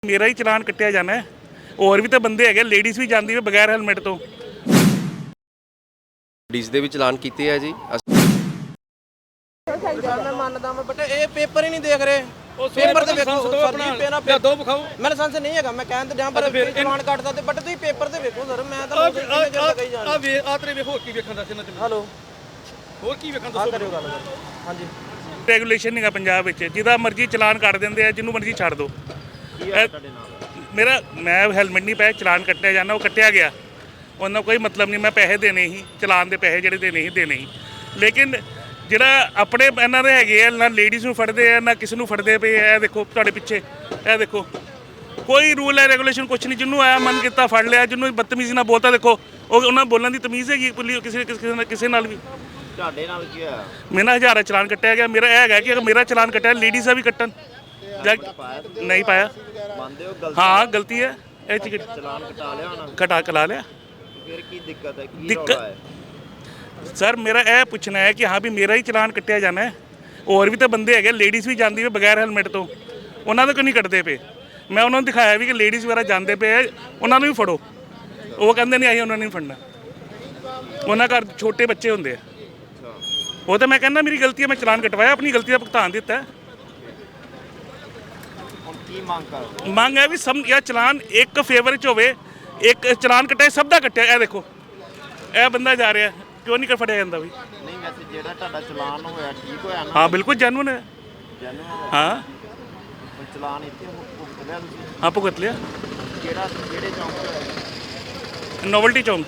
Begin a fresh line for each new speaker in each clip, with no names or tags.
मेरा ही चलान कट्टिया जाना है। और भी तो बंदे है लेडीज़ भी जाती है बगैर हेलमेट तो।
लेडीज़ ਦੇ ਵੀ ਚਲਾਨ ਕੀਤੇ ਆ ਜੀ।
मैं मानता मैं बट ये पेपर ही नहीं देख रहे। पेपर ਤੇ ਵੇਖੋ ਸਰ ਜੀ ਪੇਨਾ ਦੋ ਵਿਖਾਓ। ਮੈਂ ਲਾਇਸੈਂਸ ਨਹੀਂ ਹੈਗਾ ਮੈਂ ਕਹਿੰਦਾ ਜਾਂ ਪਰ ਚਲਾਨ ਕੱਟਦਾ ਤੇ ਬਟ ਤੁਸੀਂ ਪੇਪਰ ਤੇ ਵੇਖੋ ਸਰ ਮੈਂ ਤਾਂ ਕਹੀ ਜਾਣਾ। ਆ ਤੇਰੇ ਵੇਖੋ ਕੀ ਵੇਖਣ ਦਾ ਇਹਨਾਂ ਤੇ। ਹੈਲੋ ਹੋਰ ਕੀ ਵੇਖਣ ਦੱਸੋ ਕਰਿਓ ਗੱਲ। ਹਾਂਜੀ
ਰੈਗੂਲੇਸ਼ਨ ਨਹੀਂਗਾ ਪੰਜਾਬ ਵਿੱਚ ਜਿਹਦਾ ਮਰਜ਼ੀ ਚਲਾਨ ਕੱਟ ਦਿੰਦੇ ਆ ਜਿਹਨੂੰ ਮਰਜ਼ੀ ਛੱਡ ਦਿਓ। मेरा मैं हेलमेट नहीं पाया चलान कट्टिया जाना वो कट्टिया गया उन्होंने कोई मतलब नहीं। मैं पैसे देने ही चलान के पैसे ਜਿਹੜੇ देने ही लेकिन ਜਿਹੜਾ ਆਪਣੇ ਇਹਨਾਂ ਦੇ ਹੈਗੇ ਆ ਨਾ ਲੇਡੀਜ਼ ਨੂੰ ਫੜਦੇ ਆ ਨਾ ਕਿਸੇ ਨੂੰ ਫੜਦੇ ਪਏ ਇਹ ਦੇਖੋ ਤੁਹਾਡੇ ਪਿੱਛੇ ਇਹ ਦੇਖੋ ਕੋਈ ਰੂਲ ਹੈ ਰੈਗੂਲੇਸ਼ਨ ਕੁਛ ਨਹੀਂ। ਜਿਹਨੂੰ ਆਇਆ ਮਨ ਕੀਤਾ ਫੜ ਲਿਆ ਜਿਹਨੂੰ ਬਦਤਮੀਜ਼ੀ ਨਾਲ ਬੋਲਤਾ ਦੇਖੋ ਉਹ ਉਹਨਾਂ ਬੋਲਣ ਦੀ ਤਮੀਜ਼ ਹੈਗੀ ਪੁਲਿਸ ਕਿਸੇ ਨਾਲ ਵੀ।
ਤੁਹਾਡੇ ਨਾਲ ਕੀ ਹੋਇਆ?
ਮੇਰਾ 1000 ਚਲਾਨ ਕੱਟਿਆ ਗਿਆ। ਮੇਰਾ ਇਹ ਹੈਗਾ ਕਿ ਅਗਰ ਮੇਰਾ ਚਲਾਨ ਕੱਟਿਆ ਲੇਡੀਜ਼ ਦਾ ਵੀ ਕੱਟਣ नहीं पाया।
ਮੰਨਦੇ ਹੋ ਗਲਤੀ?
हाँ गलती है
ਚਲਾਨ ਕਟਾ ਲਿਆ ਉਹਨਾਂ
कटा लिया।
ਫਿਰ ਕੀ ਦਿੱਕਤ ਹੈ ਕੀ
दिक्कत
ਰੌਲਾ ਹੈ?
सर मेरा यह पूछना है कि हाँ भी मेरा ही चलान कट्टिया जाना है। और भी तो बंदे है लेडीज़ भी जाती है बगैर हेलमेट तो उन्होंने क्यों नहीं कटते पे। मैं उन्होंने दिखाया भी कि लेडीज़ वगैरह जाते पे उन्होंने भी फड़ो वो कहते नहीं आई उन्होंने नहीं फड़ना। उन्होंने घर छोटे बच्चे होंगे वो तो मैं कहना मेरी गलती है मैं चलान कटवाया अपनी गलती का भुगतान दिता है। ਮੰਗ ਹੈ ਵੀ ਸਭ ਜਾਂ ਚਲਾਨ ਇੱਕ ਫੇਵਰ 'ਚ ਹੋਵੇ ਇੱਕ ਚਲਾਨ ਕੱਟਿਆ ਸਭ ਦਾ ਕੱਟਿਆ। ਇਹ ਦੇਖੋ ਇਹ ਬੰਦਾ ਜਾ ਰਿਹਾ ਕਿਉਂ ਨਹੀਂ ਫੜਿਆ ਜਾਂਦਾ ਵੀ?
ਨਹੀਂ ਵੈਸੇ ਜਿਹੜਾ ਤੁਹਾਡਾ ਚਲਾਨ ਹੋਇਆ ਠੀਕ ਹੋਇਆ ਨਾ?
ਹਾਂ ਬਿਲਕੁਲ ਜੈਨੂਨ ਹੈ। ਹਾਂ
ਚਲਾਨ ਇੱਥੇ ਭੁਗਤ ਲਿਆ ਤੁਸੀਂ?
ਹਾਂ ਭੁਗਤ ਲਿਆ।
ਕਿਹੜੇ ਚੌਂਕ ਹੋਇਆ?
ਨੋਵਲਟੀ ਚੌਂਕ।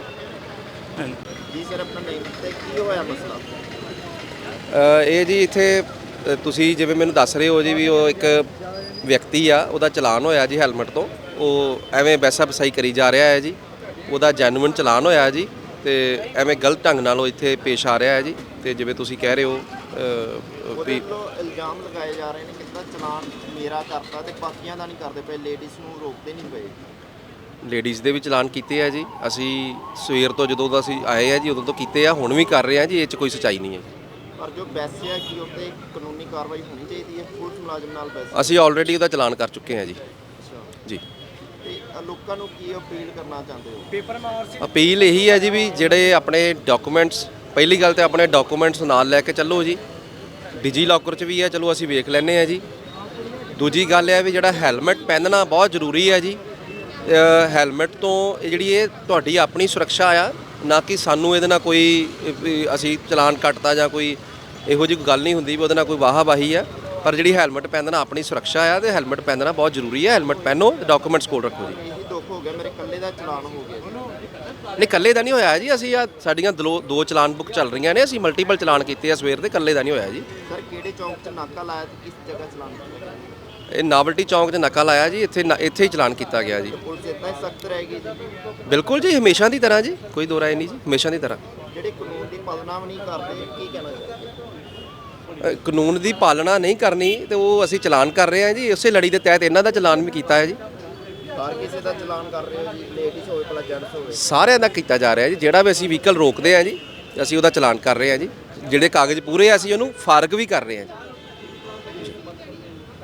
ਜੀ ਸਰ ਆਪਣਾ ਨੇਮ ਤੇ ਕੀ ਹੋਇਆ ਮਸਲਾ?
ਇਹ ਜੀ ਇੱਥੇ ਤੁਸੀਂ ਜਿਵੇਂ ਮੈਨੂੰ ਦੱਸ ਰਹੇ ਹੋ ਜੀ ਵੀ ਉਹ ਇੱਕ ਵਿਅਕਤੀ ਆ ਉਹਦਾ ਚਲਾਨ ਹੋਇਆ ਜੀ ਹੈਲਮਟ ਤੋਂ। ਉਹ ਐਵੇਂ ਵੈਸਾ ਵਸਾਈ ਕਰੀ ਜਾ ਰਿਹਾ ਹੈ ਜੀ। ਉਹਦਾ ਜੈਨੂਇਨ ਚਲਾਨ ਹੋਇਆ ਜੀ ਤੇ ਐਵੇਂ ਗਲਤ ਢੰਗ ਨਾਲ ਉਹ ਇੱਥੇ ਪੇਸ਼ ਆ ਰਿਹਾ ਹੈ ਜੀ। ਤੇ ਜਿਵੇਂ ਤੁਸੀਂ ਕਹਿ ਰਹੇ ਹੋ
ਉਹਦੇ ਵੱਲੋਂ ਇਲਜ਼ਾਮ ਲਗਾਏ ਜਾ ਰਹੇ ਨੇ ਕਿ ਚਲਾਨ ਮੇਰਾ ਕਰਤਾ ਤੇ ਬਾਕੀਆਂ ਦਾ ਨਹੀਂ ਕਰਦੇ ਪਏ ਲੇਡੀਜ਼ ਨੂੰ ਰੋਕਦੇ ਨਹੀਂ ਪਏ।
ਲੇਡੀਜ਼ ਦੇ ਵੀ ਚਲਾਨ ਕੀਤੇ ਆ ਜੀ। ਅਸੀਂ ਸਵੇਰ ਤੋਂ ਜਦੋਂ ਦਾ ਅਸੀਂ ਆਏ ਆ ਜੀ ਉਦੋਂ ਤੋਂ ਕੀਤੇ ਆ ਹੁਣ ਵੀ ਕਰ ਰਹੇ ਆ ਜੀ। ਇਹ 'ਚ ਕੋਈ ਸੱਚਾਈ ਨਹੀਂ ਹੈ।
ਪਰ ਜੋ ਵੈਸੇ ਹੈ ਕਿ ਉੱਤੇ ਕਾਨੂੰਨੀ ਕਾਰਵਾਈ ਹੋਣੀ ਚਾਹੀਦੀ ਹੈ ਪੁਲਿਸ ਮੁਲਾਜ਼ਮ ਨਾਲ ਵੈਸੇ
ਅਸੀਂ ਆਲਰੇਡੀ ਉਹਦਾ ਚਲਾਨ ਕਰ ਚੁੱਕੇ ਹਾਂ ਜੀ। ਜੀ
ਤੇ ਲੋਕਾਂ ਨੂੰ ਕੀ ਅਪੀਲ ਕਰਨਾ ਚਾਹੁੰਦੇ ਹੋ? ਪੇਪਰ
ਅਪੀਲ ਇਹੀ ਹੈ ਜੀ ਵੀ ਜਿਹੜੇ ਆਪਣੇ ਡਾਕੂਮੈਂਟਸ ਪਹਿਲੀ ਗੱਲ ਤੇ ਆਪਣੇ ਡਾਕੂਮੈਂਟਸ ਨਾਲ ਲੈ ਕੇ ਚੱਲੋ ਜੀ। ਡਿਜੀ ਲੋਕਰ 'ਚ ਵੀ ਹੈ ਚਲੋ ਅਸੀਂ ਵੇਖ ਲੈਂਦੇ ਹਾਂ ਜੀ। ਦੂਜੀ ਗੱਲ ਹੈ ਵੀ ਜਿਹੜਾ ਹੈਲਮਟ ਪਹਿਨਣਾ ਬਹੁਤ ਜ਼ਰੂਰੀ ਹੈ ਜੀ। ਹੈਲਮਟ ਤੋਂ ਜਿਹੜੀ ਇਹ ਤੁਹਾਡੀ ਆਪਣੀ ਸੁਰੱਖਿਆ ਆ ਨਾ ਕਿ ਸਾਨੂੰ ਇਹਦੇ ਨਾਲ ਕੋਈ ਅਸੀਂ ਚਲਾਨ ਕੱਟਤਾ ਜਾਂ ਕੋਈ ਇਹੋ ਜਿਹੀ ਗੱਲ ਨਹੀਂ ਹੁੰਦੀ ਵੀ ਉਹਦੇ ਨਾਲ ਕੋਈ ਵਾਹੀ ਆ। ਪਰ ਜਿਹੜੀ ਹੈਲਮਟ ਪਹਿਨਣਾ ਆਪਣੀ ਸੁਰੱਖਿਆ ਆ ਤੇ ਹੈਲਮਟ ਪਹਿਨਣਾ ਬਹੁਤ ਜ਼ਰੂਰੀ ਹੈ। ਹੈਲਮਟ ਪਹਿਨੋ ਤੇ ਡਾਕੂਮੈਂਟਸ ਕੋਲ ਰੱਖੋ ਜੀ।
ਇਹੀ ਦੁੱਖ ਹੋ ਗਿਆ ਮੇਰੇ ਇਕੱਲੇ ਦਾ ਚਲਾਨ ਹੋ ਗਿਆ।
ਨਹੀਂ ਇਕੱਲੇ ਦਾ ਨਹੀਂ ਹੋਇਆ ਜੀ। ਅਸੀਂ ਆ ਸਾਡੀਆਂ ਦੋ ਚਲਾਨ ਬੁੱਕ ਚੱਲ ਰਹੀਆਂ ਨੇ। ਅਸੀਂ ਮਲਟੀਪਲ ਚਲਾਨ ਕੀਤੇ ਆ ਸਵੇਰ ਦੇ। ਇਕੱਲੇ ਦਾ ਨਹੀਂ ਹੋਇਆ ਜੀ।
ਸਰ ਕਿਹੜੇ ਚੌਂਕ 'ਚ ਨਾਕਾ ਲਾਇਆ ਤੇ ਕਿਸ ਜਗ੍ਹਾ ਚਲਾਨ ਕੀਤਾ?
ਇਹ ਨਾਵਲਟੀ ਚੌਂਕ 'ਚ ਨਾਕਾ ਲਾਇਆ ਜੀ। ਇੱਥੇ ਹੀ ਚਲਾਨ ਕੀਤਾ ਗਿਆ ਜੀ।
ਪੁਲਿਸ ਇੱਦਾਂ ਹੀ ਸਖਤ ਰਹੇਗੀ ਜੀ?
ਬਿਲਕੁਲ ਜੀ ਹਮੇਸ਼ਾ ਦੀ ਤਰ੍ਹਾਂ ਜੀ ਕੋਈ ਦੋ ਰਾਏ ਨਹੀਂ ਜੀ ਹਮੇਸ਼ਾ ਦੀ ਤਰ੍ਹਾਂ।
ਜਿਹੜੇ ਕਾਨੂੰਨ ਦੀ ਪਾਲਣਾ ਵੀ ਨਹੀਂ ਕਰਦੇ ਕੀ ਕਹਿਣਾ ਚਾਹੀਦਾ?
ਕਾਨੂੰਨ ਦੀ ਪਾਲਣਾ ਨਹੀਂ ਕਰਨੀ ਤੇ ਉਹ ਅਸੀਂ ਚਲਾਨ ਕਰ ਰਹੇ ਹਾਂ ਜੀ। ਉਸੇ ਲੜੀ ਦੇ ਤਹਿਤ ਇਹਨਾਂ ਦਾ ਚਲਾਨ ਵੀ ਕੀਤਾ ਹੈ ਜੀ।
ਹਰ ਕਿਸੇ ਦਾ ਚਲਾਨ ਕਰ ਰਹੇ ਹੋ ਜੀ ਲੇਡੀਜ਼ ਹੋਵੇ ਭਲਾ ਜੈਂਟਸ ਹੋਵੇ?
ਸਾਰਿਆਂ ਦਾ ਕੀਤਾ ਜਾ ਰਿਹਾ ਜੀ। ਜਿਹੜਾ ਵੀ ਅਸੀਂ ਵਹੀਕਲ ਰੋਕਦੇ ਹਾਂ ਜੀ ਅਸੀਂ ਉਹਦਾ ਚਲਾਨ ਕਰ ਰਹੇ ਹਾਂ ਜੀ। ਜਿਹੜੇ ਕਾਗਜ਼ ਪੂਰੇ ਆ ਅਸੀਂ ਉਹਨੂੰ ਫਾਰਗ ਵੀ ਕਰ ਰਹੇ ਹਾਂ ਜੀ।